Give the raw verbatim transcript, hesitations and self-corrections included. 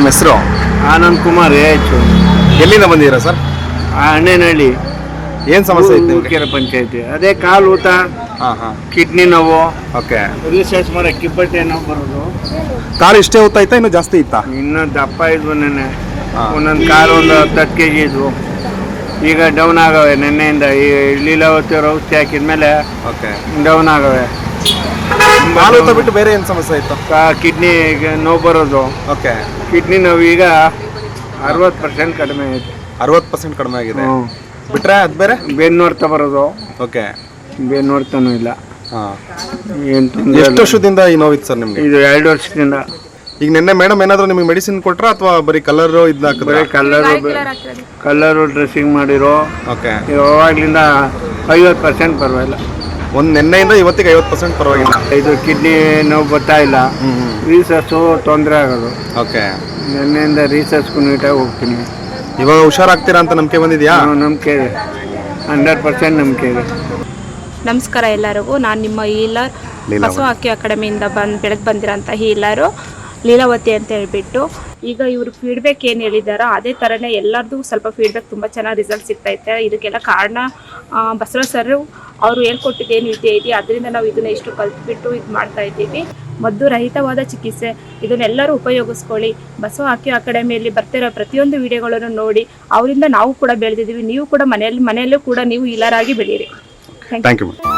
ನಿಮ್ಮ ಹೆಸರು? ಆನಂದ್ ಕುಮಾರ್ ಆಯ್ತು. ಎಲ್ಲಿಂದ ಬಂದಿದ್ದೀರಾ ಸರ್? ಹಣ್ಣೇನಹಳ್ಳಿ ಏನು ಸಮಸ್ಯೆ ಇತ್ತು ನಿಮಗೆ? ಕೆರೆ ಪಂಚಾಯತಿ. ಅದೇ ಕಾಲು ಊತ, ಹಾಂ ಹಾಂ ಕಿಡ್ನಿ ನೋವು, ಓಕೆ. ರಿಸರ್ಚ್ ಮಾಡೋ ಕಿಬ್ಬಟ್ಟೆ ನೋವು ಬರೋದು. ಕಾಲು ಇಷ್ಟೇ ಹೊತ್ತಾ ಇತ್ತಾ ಇನ್ನೂ ಜಾಸ್ತಿ ಇತ್ತಾ? ಇನ್ನೂ ದಪ್ಪ ಇದ್ವು ನೆನ್ನೆ. ಹಾಂ. ಒಂದೊಂದು ಕಾಲು ಒಂದು ಹತ್ತು ಹತ್ತು ಕೆ ಜಿ ಇದ್ವು. ಈಗ ಡೌನ್ ಆಗವೆ ನೆನ್ನೆಯಿಂದ. ಈ ಲೀಲಾವತಿ ಅವ್ರು ಔಷಧಿ ಹಾಕಿದ್ಮೇಲೆ ಓಕೆ ಡೌನ್ ಆಗವೆ. ಕಾಲು ಊತ ಬಿಟ್ಟು ಬೇರೆ ಏನು ಸಮಸ್ಯೆ ಇತ್ತು? ಕಿಡ್ನಿ ನೋವು ಬರೋದು. ಓಕೆ. ಕಿಡ್ನಿ ನೋವು ಈಗ ಅರವತ್ತು ಪರ್ಸೆಂಟ್ ಕಡಿಮೆ ಐತೆ. ಅರವತ್ತು ಪರ್ಸೆಂಟ್ ಕಡಿಮೆ ಆಗಿದೆ. ಹ್ಞೂ. ಬಿಟ್ರೆ ಅದು ಬೇರೆ? ಬೆನ್ನು ನೋಡ್ತಾ ಬರೋದು. ಓಕೆ. ಬೆನ್ನು ನೋಡ್ತಾನೂ ಇಲ್ಲ. ಹಾಂ. ಏನು ತೊಂದರೆ ಎಷ್ಟು ವರ್ಷದಿಂದ ಈ ನೋವಿತ್ತು ಸರ್ ನಿಮಗೆ? ಇದು ಎರಡು ವರ್ಷದಿಂದ. ಈಗ ನಿನ್ನೆ ಮೇಡಮ್ ಏನಾದರೂ ನಿಮಗೆ ಮೆಡಿಸಿನ್ ಕೊಟ್ರಾ ಅಥವಾ ಬರೀ ಕಲರು ಇದನ್ನ ಹಾಕಿದ್ರೆ? ಬರೀ ಕಲ್ಲರು ಕಲ್ಲರು ಡ್ರೆಸ್ಸಿಂಗ್ ಮಾಡಿರೋ. ಓಕೆ. ಯಾವಾಗಲಿಂದ ಐವತ್ತು ಪರ್ಸೆಂಟ್ ಪರವಾಗಿಲ್ಲ. ಒಂದು ನಿನ್ನೆಯಿಂದ ಇವತ್ತಿಗೆ ಐವತ್ತು ಪರ್ಸೆಂಟ್ ಪರವಾಗಿಲ್ಲ. ಇದು ಕಿಡ್ನಿ ನೋವು ಬರ್ತಾ ಇಲ್ಲ. ರೀಸರ್ಚು ತೊಂದರೆ ಆಗೋದು. ಓಕೆ. ನಿನ್ನೆಯಿಂದ ರೀಸರ್ಚ್ಗೂ ನೀಟಾಗಿ ಹೋಗ್ತೀನಿ. ಇವಾಗ ಹುಷಾರಾಗ್ತೀರಾ ಅಂತ ನಂಬಿಕೆ ಬಂದಿದೆಯಾ? ನಂಬಿಕೆ ಇದೆ, ಹಂಡ್ರೆಡ್ ಪರ್ಸೆಂಟ್ ನಂಬಿಕೆ ಇದೆ. ನಮಸ್ಕಾರ ಎಲ್ಲರಿಗೂ. ನಾನು ನಿಮ್ಮ ಹೀಲರ್ ಬಸವ ಅಕ್ಕಿ ಅಕಾಡೆಮಿಯಿಂದ ಬಂದು ಬೆಳೆದು ಬಂದಿರೋಂಥ ಹೀಲರು ಲೀಲಾವತಿ ಅಂತ ಹೇಳ್ಬಿಟ್ಟು. ಈಗ ಇವರು ಫೀಡ್ಬ್ಯಾಕ್ ಏನು ಹೇಳಿದಾರೋ ಅದೇ ಥರನೇ ಎಲ್ಲರದು ಸ್ವಲ್ಪ ಫೀಡ್ಬ್ಯಾಕ್ ತುಂಬ ಚೆನ್ನಾಗಿ ರಿಸಲ್ಟ್ ಸಿಗ್ತೈತೆ. ಇದಕ್ಕೆಲ್ಲ ಕಾರಣ ಬಸವ ಸರ್ ಅವರು ಹೇಳ್ಕೊಟ್ಟಿದ್ದೇನು ವಿದ್ಯೆ ಇದೆಯಾ ಅದರಿಂದ ನಾವು ಇದನ್ನು ಇಷ್ಟು ಕಲ್ತ್ಬಿಟ್ಟು ಇದು ಮಾಡ್ತಾ ಇದ್ದೀವಿ. ಮದ್ದು ರಹಿತವಾದ ಚಿಕಿತ್ಸೆ, ಇದನ್ನೆಲ್ಲರೂ ಉಪಯೋಗಿಸ್ಕೊಳ್ಳಿ. ಬಸವ ಅಕ್ಕಿ ಅಕಾಡೆಮಿಯಲ್ಲಿ ಬರ್ತಿರೋ ಪ್ರತಿಯೊಂದು ವಿಡಿಯೋಗಳನ್ನು ನೋಡಿ ಅವರಿಂದ ನಾವು ಕೂಡ ಬೆಳೆದಿದ್ದೀವಿ. ನೀವು ಕೂಡ ಮನೆಯಲ್ಲಿ ಮನೆಯಲ್ಲೂ ಕೂಡ ನೀವು ಹೀಲರ್ ಆಗಿ ಬೆಳೀರಿ. Thank you.